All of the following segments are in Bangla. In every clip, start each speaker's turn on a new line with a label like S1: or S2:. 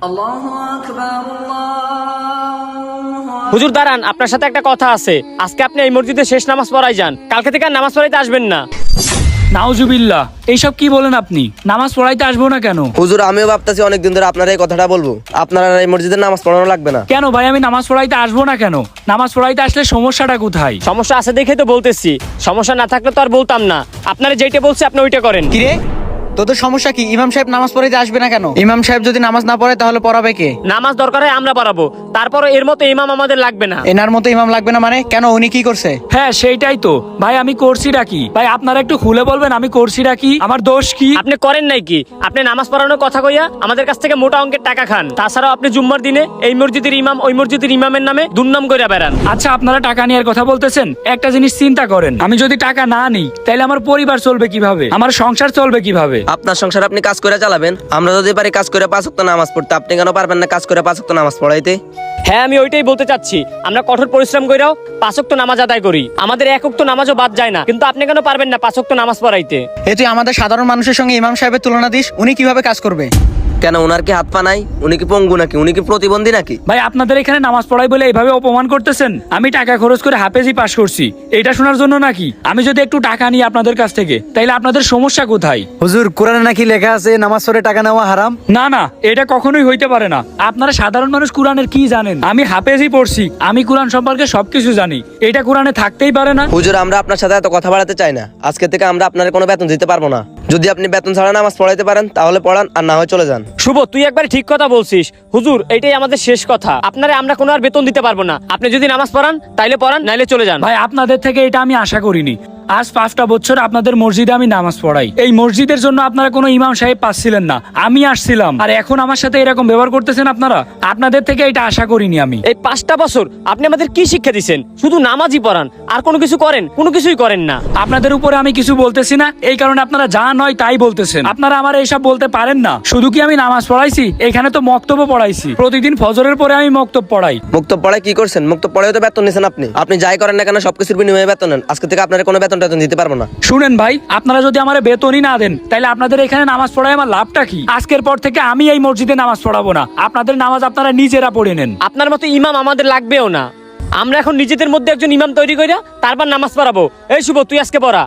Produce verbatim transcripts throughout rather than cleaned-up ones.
S1: হুজুর দাঁড়ান, আপনার সাথে একটা কথা আছে। আজকে আপনি এই মসজিদে শেষ নামাজ পড়াই যান, কালকে থেকে আর নামাজ পড়াইতে আসবেন না।
S2: নাউজুবিল্লাহ, এইসব কি বলেন আপনি? নামাজ পড়াইতে আসবো না কেন?
S3: হুজুর আমিও ভাবতেছি অনেকদিন ধরে আপনারা এই কথাটা বলবো, আপনারা এই মসজিদের নামাজ পড়ানো লাগবে না।
S2: কেন ভাই, আমি নামাজ পড়াইতে আসবো না কেন? নামাজ পড়াইতে আসলে সমস্যাটা কোথায়?
S1: সমস্যা আছে দেখে তো বলতেছি, সমস্যা না থাকলে তো আর বলতাম না। আপনারা যেটা বলছে আপনি ওইটা করেন।
S4: কিরে তোদের সমস্যা কি? ইমাম সাহেব নামাজ পড়াইতে আসবে না কেন? ইমাম সাহেব যদি নামাজ না পড়ে তাহলে পড়াবে কে?
S1: নামাজ দরকার হয় আমরা পড়াবো, তারপরে এর মতো ইমাম আমাদের লাগবে না।
S4: এনার মতো ইমাম লাগবে না মানে? কেন, উনি কি করছে?
S2: হ্যাঁ সেইটাই তো ভাই, আমি করছিটা কি? ভাই আপনারা একটু খুলে বলবেন আমি করছিটা কি? আমার দোষ কি?
S1: আপনি করেন নাই কি? আপনি নামাজ পড়ানোর কথা কইয়া আমাদের কাছ থেকে মোটা অঙ্কের টাকা খান। তাছাড়াও আপনি জুম্মার দিনে এই মসজিদের ইমাম ওই মসজিদের ইমামের নামে দুর্নাম কইরা বেড়ান।
S2: আচ্ছা আপনারা টাকা নেওয়ার কথা বলতেছেন, একটা জিনিস চিন্তা করেন, আমি যদি টাকা না নিই তাহলে আমার পরিবার চলবে কিভাবে? আমার সংসার চলবে কিভাবে?
S3: আপনার সংসার আপনি কাজ করে চালাবেন, আমরা যদি পারি কাজ করে পাঁচ ওয়াক্ত নামাজ পড়তে, আপনি কেন পারবেন না কাজ করে পাঁচ ওয়াক্ত নামাজ পড়াইতে?
S1: হ্যাঁ আমি ওইটাই বলতে চাচ্ছি, আমরা কঠোর পরিশ্রম কইরাও পাঁচ ওয়াক্ত নামাজ আদায় করি, আমাদের এক ওয়াক্ত নামাজও বাদ যায় না, কিন্তু আপনি কেন পারবেন না পাঁচ ওয়াক্ত নামাজ পড়াইতে?
S4: এ তুই আমাদের সাধারণ মানুষের সঙ্গে ইমাম সাহেবের তুলনা দিস? উনি কিভাবে কাজ করবে?
S3: কেন ওনার কি হাত পা নাই? উনি কি পঙ্গু নাকি? উনি কি প্রতিবন্ধী নাকি?
S2: ভাই আপনাদের এখানে নামাজ পড়াই বলে এইভাবে অপমান করতেছেন? আমি টাকা খরচ করে হাফেজি পাস করছি, এটা শোনার জন্য নাকি? আমি যদি একটু টাকা নিই আপনাদের কাছ থেকে তাইলে আপনাদের সমস্যা কোথায়?
S5: হুজুর কোরআনে নাকি লেখা আছে নামাজ পড়ে টাকা নেওয়া হারাম?
S2: না না, এটা কখনোই হইতে পারে না। আপনারা সাধারণ মানুষ কোরআনের কি জানেন? আমি হাফেজি পড়ছি, আমি কোরআন সম্পর্কে সবকিছু জানি, এটা কোরআনে থাকতেই পারে না।
S3: হুজুর আমরা আপনার সাথে এত কথা বাড়াতে চাই না, আজকে থেকে আমরা আপনার কোনো বেতন দিতে পারবো না। যদি আপনি বেতন ছাড়া নামাজ পড়াইতে পারেন তাহলে পড়ান, আর না হয় চলে যান।
S1: শুভ, তুই একবার ঠিক কথা বলছিস। হুজুর এটাই আমাদের শেষ কথা, আপনারে আমরা কোনো আর বেতন দিতে পারবো না। আপনি যদি নামাজ পড়ান তাইলে পড়ান, নাইলে চলে যান।
S2: ভাই আপনাদের থেকে এটা আমি আশা করিনি। আজ পাঁচটা বছর আপনাদের মসজিদে আমি নামাজ পড়াই, এই মসজিদের জন্য আপনারা কোনো ইমাম সাহেব পাচ্ছিলেন না, আমি আসছিলাম, আর এখন আমার সাথে এরকম ব্যবহার করতেছেন আপনারা? আপনাদের থেকে এটা আশা করিনি আমি।
S1: এই পাঁচটা বছর আপনি আমাদের কি শিক্ষা দিচ্ছেন? শুধু নামাজই পড়ান, আর কোনো কিছু করেন? কোনো কিছুই করেন না।
S2: আপনাদের উপরে আমি কিছু বলতেছি না, এই কারণে আপনারা যা নয় তাই বলতেছেন। আপনারা আমার এইসব বলতে পারেন না। শুধু কি আমি নামাজ পড়াইছি? এখানে তো মক্তব্য পড়াইছি, প্রতিদিন ফজরের পরে আমি মক্তব পড়াই।
S3: মুক্তব পড়ায় কি করছেন? মুক্তব পড়ায় তো বেতন নিছেন আপনি। আপনি যাই করেন না কেন সবকিছুর বিনিময়ে বেতন নেন। আজকে থেকে আপনার কোনো বেতন টেতন দিতে পারবো না।
S2: শুনেন ভাই, আপনারা যদি আমার বেতনই না দেন তাহলে আপনাদের এখানে নামাজ পড়ায় আমার লাভটা কি? আজকের পর থেকে আমি এই মসজিদে নামাজ পড়াবো না, আপনাদের নামাজ আপনারা নিজেরা পড়ে নেন।
S1: আপনার মতো ইমাম আমাদের লাগবেও না। আমরা এখন নিজেদের মধ্যে একজন ইমাম তৈরি কইরা তারপর নামাজ পড়াবো। এই শুভ, তুই আজকে পড়া।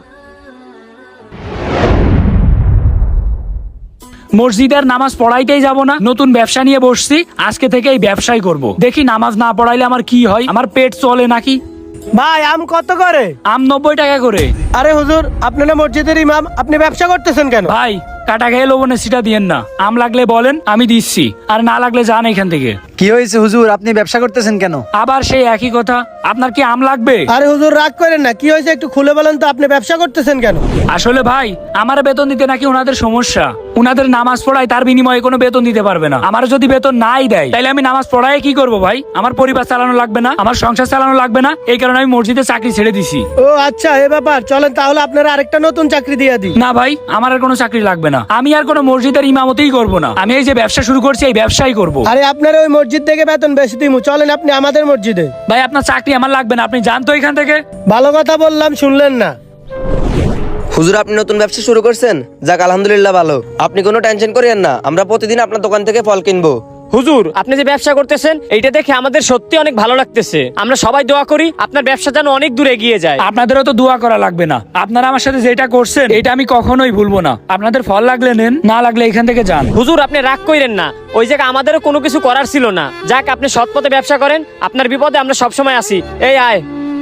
S2: মসজিদের নামাজ পড়াইতেই যাব না, নতুন ব্যবসা নিয়ে বসছি, আজকে থেকে এই ব্যবসাই করব। দেখি নামাজ না পড়াইলে আমার কি হয়, আমার পেট চলে নাকি?
S6: ভাই আম কত করে?
S2: আম নব্বই টাকা করে।
S6: আরে হুজুর আপনি না মসজিদের ইমাম, আপনি ব্যবসা করতেছেন কেন?
S2: ভাই কাটা খেয়ে লবণের সিটা দিয়েন না, আম লাগলে বলেন আমি দিচ্ছি, আর না লাগলে যান এখান থেকে।
S5: কি হয়েছে হুজুর, আপনি ব্যবসা করতেছেন কেন?
S2: আবার সেই একই কথা, আপনার কি আম লাগবে?
S6: আরে হুজুর রাগ করেন না, কি হয়েছে একটু খুলে বলেন তো, আপনি ব্যবসা করতেছেন কেন?
S2: আসলে ভাই আমার বেতন দিতে নাকি ওনাদের সমস্যা, উনাদের নামাজ পড়ায় তার বিনিময়ে কোনো বেতন দিতে পারবে না। আমার যদি বেতন নাই দেয় তাহলে আমি নামাজ পড়ায় কি করব ভাই? আমার পরিবার চালানো লাগবে না, আমার সংসার চালানো লাগবে না, এই কারণে আমি মসজিদে চাকরি ছেড়ে দিছি।
S6: ও আচ্ছা এ ব্যাপার, চলেন তাহলে আপনারা আরেকটা নতুন চাকরি দিয়ে দিই।
S2: না ভাই, আমার আর কোনো চাকরি লাগবে না, আমি আর কোনো মসজিদের ইমামতিই করব না, আমি এই যে ব্যবসা শুরু করছি এই ব্যবসাই করব।
S6: আরে আপনার ওই মসজিদ থেকে বেতন বেশি দিমু, চলেন আপনি আমাদের মসজিদে।
S2: ভাই আপনার চাকরি আমার লাগবে না, আপনি যান তো এখান থেকে।
S6: ভালো কথা বললাম, শুনলেন না?
S3: হুজুর আপনি নতুন ব্যবসা শুরু করছেন, যাক আলহামদুলিল্লাহ ভালো। আপনি কোনো টেনশন করিয়েন না, আমরা প্রতিদিন আপনার দোকান থেকে ফল কিনবো।
S1: হুজুর আপনি যে ব্যবসা করতেছেন এইটা দেখে আমাদের সত্যি অনেক ভালো লাগতেছে। আমরা সবাই দোয়া করি আপনার ব্যবসা যেন অনেক দূর এগিয়ে যায়।
S2: আপনাদেরও তো দোয়া করা লাগবে না, আপনারা আমার সাথে যেটা করছেন এটা আমি কখনোই ভুলবো না। আপনাদের ফল লাগলে নেন, না লাগলে এখান থেকে যান।
S1: হুজুর আপনি রাগ কইরেন না, ওই জায়গায় আমাদেরও কোনো কিছু করার ছিল না। যাক আপনি সৎ পথে ব্যবসা করেন, আপনার বিপদে আমরা সবসময় আছি। এই আয়।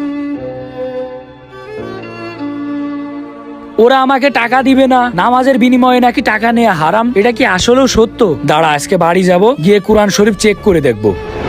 S2: ওরা আমাকে টাকা দিবে না, নামাজের বিনিময়ে নাকি টাকা নেওয়া হারাম, এটা কি আসলেও সত্য? দাঁড়া আজকে বাড়ি যাব, গিয়ে কোরআন শরীফ চেক করে দেখব।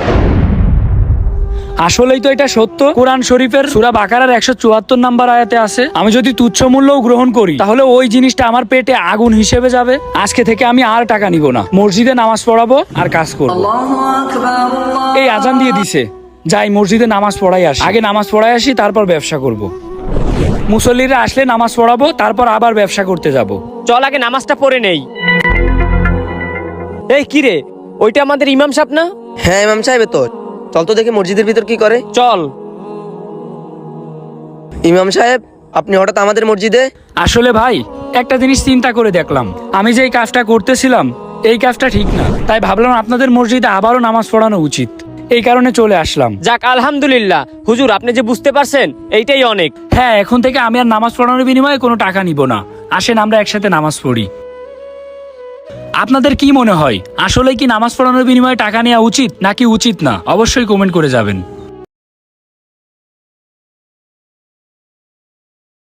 S2: আসলেই তো এটা সত্য। কোরআন শরীফের সূরা বাকারার একশো চুয়াত্তর নাম্বার আয়াতে আছে, আমি যদি তুচ্ছ মূল্যও গ্রহণ করি তাহলে ওই জিনিসটা আমার পেটে আগুন হিসেবে যাবে। আজকে থেকে আমি আর টাকা নিব না, মসজিদে নামাজ পড়াবো আর কাজ করবো। এই আজান দিয়ে দিছে, যাই মসজিদে নামাজ পড়াই আসি। আগে নামাজ পড়াই আসি, তারপর ব্যবসা করব। মুসল্লিরা আসলে নামাজ পড়াবো, তারপর আবার ব্যবসা করতে যাব।
S1: চল আগে নামাজটা পড়ে নেই। এই কিরে, ওইটা আমাদের ইমাম সাহেব না?
S3: হ্যাঁ ইমাম সাহেব তো। চল তো দেখি মসজিদের ভিতর কি করে।
S1: চল।
S3: ইমাম সাহেব আপনি হঠাৎ আমাদের মসজিদে?
S2: আসলে ভাই একটা জিনিস চিন্তা করে দেখলাম, আমি যে এই কাজটা করতেছিলাম এই কাজটা ঠিক না, তাই ভাবলাম আপনাদের মসজিদে আবারও নামাজ পড়ানো উচিত। এই কারণে চলে আসলাম।
S1: যাক আলহামদুলিল্লাহ হুজুর, আপনি যে বুঝতে পারছেন এইটাই অনেক।
S2: হ্যাঁ, এখন থেকে আমি আর নামাজ পড়ানোর বিনিময়ে কোনো টাকা নিব না। আসেন আমরা একসাথে নামাজ পড়ি। আপনাদের কি মনে হয়, আসলে কি নামাজ পড়ানোর বিনিময়ে টাকা নেওয়া উচিত নাকি উচিত না? অবশ্যই কমেন্ট করে যাবেন।